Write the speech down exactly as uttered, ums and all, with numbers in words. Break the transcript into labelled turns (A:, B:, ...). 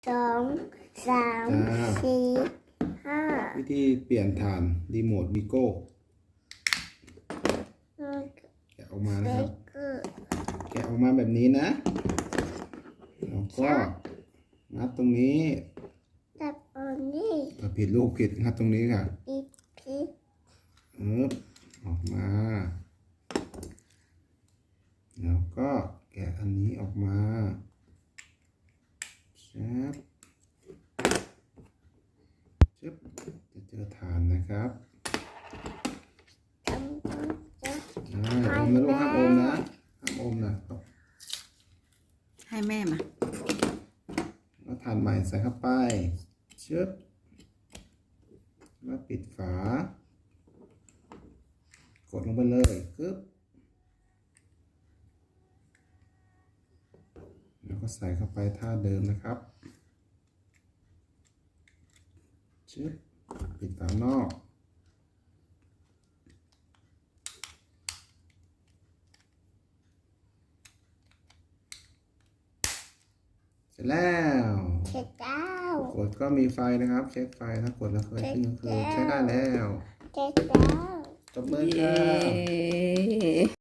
A: สองสามสี่ห้า
B: วิธีเปลี่ยนฐานรีโมทวิโก้แกะออกมานะครับแกะออกมาแบบนี้นะแล้วก็งัดตรงนี้
A: จับอันนี้
B: ผิดลูกผิดงัดตรงนี้ค่ะ
A: ผิดผิด
B: เออออกมาแล้วก็แกะอันนี้ออกมาแชบชึบจะเจอฐานนะครับอมนะลูกห้ามอมนะห้ามอมนะครับ
C: ให้แม่มา
B: แล้วฐานใหม่ใส่เข้าไปชึบแล้วปิดฝากดลงไปเลยกึ๊บแล้วก็ใส่เข้าไปท่าเดิมนะครับชึบปิดฝานอกเสร็จแล้ว
A: เสร็จแล้ว
B: กดก็มีไฟนะครับเช็คไฟถ้ากดแล้วเคยขึ้นก็คือใช้ได้แล้ว
A: เสร็จแล้ว
B: ตบมือครับ